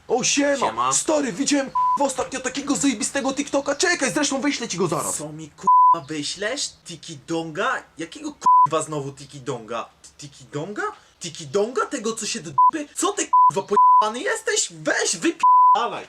O siema. Siema. Stary, widziałem ostatnio takiego zajebistego TikToka. Czekaj, zresztą wyślę ci go zaraz. Co mi k***a wyślesz? Tiki Donga? Jakiego k***a znowu Tiki Donga? Tiki Donga? Tiki Donga? Tego co się do dupy? Co ty k***a pojebany jesteś? Weź wypi***alaj.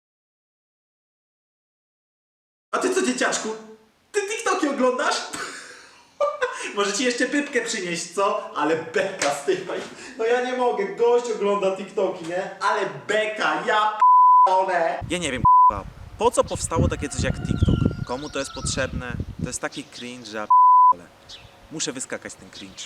A ty co, dzieciaczku? Ty TikToki oglądasz? Może ci jeszcze pypkę przynieść, co? Ale beka z tej. No ja nie mogę, gość ogląda TikToki, nie? Ale beka, ja p***one. Ja nie wiem, k***a. Po co powstało takie coś jak TikTok? Komu to jest potrzebne? To jest taki cringe, że ja p***ole. Muszę wyskakać ten cringe.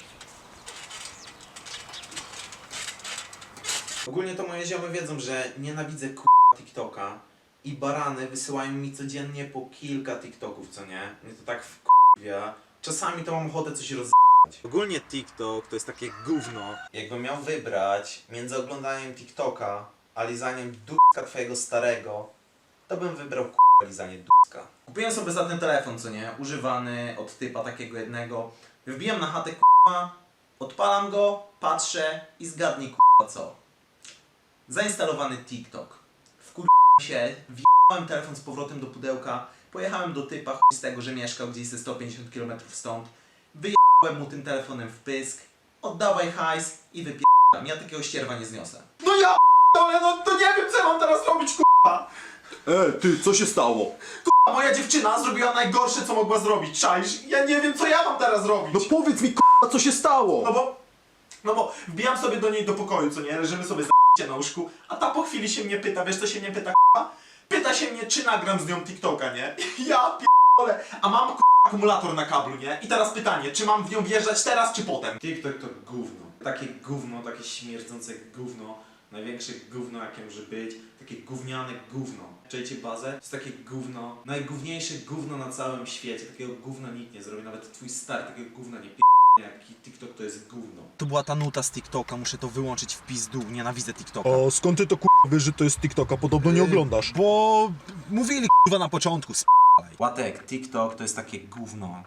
Ogólnie to moje ziomy wiedzą, że nienawidzę k***a TikToka i barany wysyłają mi codziennie po kilka TikToków, co nie? Mnie to tak wkurwia. Czasami to mam ochotę coś roz***ać. Ogólnie TikTok to jest takie gówno. Jakbym miał wybrać między oglądaniem TikToka a lizaniem dupka twojego starego, to bym wybrał k***a lizanie dupka. Kupiłem sobie za ten telefon, co nie? Używany od typa takiego jednego. Wbijam na chatę k***a, odpalam go, patrzę i zgadnij k***a co. Zainstalowany TikTok. Wkurwiłem się, wjechałem telefon z powrotem do pudełka, pojechałem do typa chuj z tego, że mieszkał gdzieś ze 150 km stąd, wyjechałem mu tym telefonem w pysk, oddawaj hajs i wypierdam. Ja takiego ścierwa nie zniosę. No ja Ale no to nie wiem co ja mam teraz robić k***a. ty, co się stało? A moja dziewczyna zrobiła najgorsze co mogła zrobić, czaisz? Ja nie wiem co ja mam teraz robić. No powiedz mi co się stało? No bo wbijam sobie do niej do pokoju, co nie? Leżymy sobie na łóżku, a ta po chwili się mnie pyta, wiesz co się mnie pyta k***a? Pyta się mnie, czy nagram z nią TikToka, nie? Ja p***ole, a mam k***a akumulator na kablu, nie? I teraz pytanie, czy mam w nią wjeżdżać teraz, czy potem? TikTok to gówno. Takie gówno, takie śmierdzące gówno. Największe gówno jakie może być. Takie gówniane gówno. Czujecie bazę? To jest takie gówno. Najgówniejsze gówno na całym świecie. Takiego gówna nikt nie zrobi. Nawet twój stary takiego gówna nie jaki TikTok to jest gówno. To była ta nuta z TikToka, muszę to wyłączyć w pizdu, nienawidzę TikToka. O, skąd ty to wiesz, że to jest TikToka? Podobno nie oglądasz. Bo mówili kurwa na początku, Łatek, TikTok to jest takie gówno.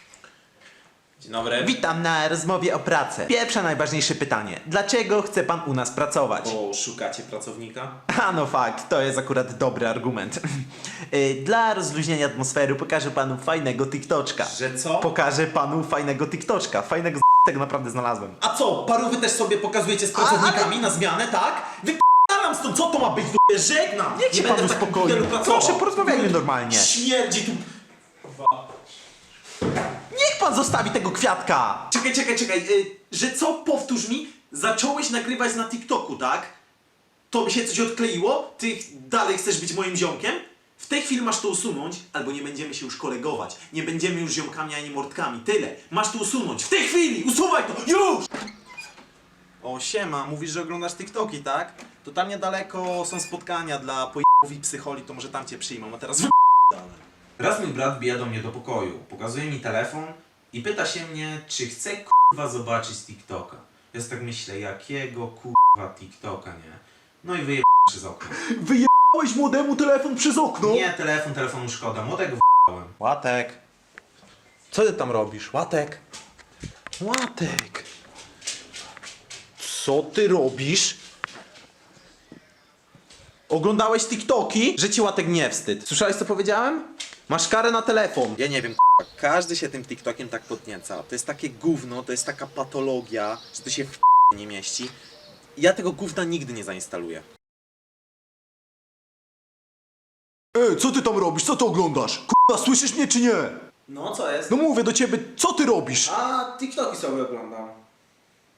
Dzień dobry. Witam na rozmowie o pracę. Pierwsze najważniejsze pytanie. Dlaczego chce pan u nas pracować? Bo szukacie pracownika? A no fakt, to jest akurat dobry argument. Dla rozluźnienia atmosfery pokażę panu fajnego TikToczka. Że co? Pokażę panu fajnego TikToczka. Fajnego tego naprawdę znalazłem. A co, parówy też sobie pokazujecie z pracownikami na zmianę, tak? Wyp***alam stąd, co to ma być, d***? Żegnam! Niech się pan będę w takim uspokoi. hotelu pracował. Proszę, porozmawiajmy normalnie. Śmierdzi tu... Niech pan zostawi tego kwiatka! Czekaj, że co? Powtórz mi, zacząłeś nagrywać na TikToku, tak? To by się coś odkleiło? Ty dalej chcesz być moim ziomkiem? W tej chwili masz to usunąć, albo nie będziemy się już kolegować. Nie będziemy już ziomkami ani mordkami. Tyle. Masz to usunąć. W tej chwili! Usuwaj to! Już! O, siema. Mówisz, że oglądasz TikToki, tak? To tam niedaleko są spotkania dla pojebów i psycholi, to może tam cię przyjmą, a teraz dalej. Raz mój brat bija do mnie do pokoju, pokazuje mi telefon i pyta się mnie, czy chcę kurwa zobaczyć TikToka. Ja sobie tak myślę, jakiego kurwa TikToka, nie? No i wyjebałem przez okno. Wyjebałeś młodemu telefon przez okno? Nie, telefonu szkoda, młodego wyjebałem. Łatek. Co ty tam robisz? Łatek. Łatek. Co ty robisz? Oglądałeś TikToki? Że ci Łatek nie wstyd. Słyszałeś co powiedziałem? Masz karę na telefon. Ja nie wiem, każdy się tym TikTokiem tak podnieca. To jest takie gówno, to jest taka patologia, że to się w nie mieści. Ja tego gówna nigdy nie zainstaluję. Co ty tam robisz? Co ty oglądasz? Kurwa, słyszysz mnie czy nie? No, co jest? No mówię do ciebie, co ty robisz? A TikToki sobie oglądam.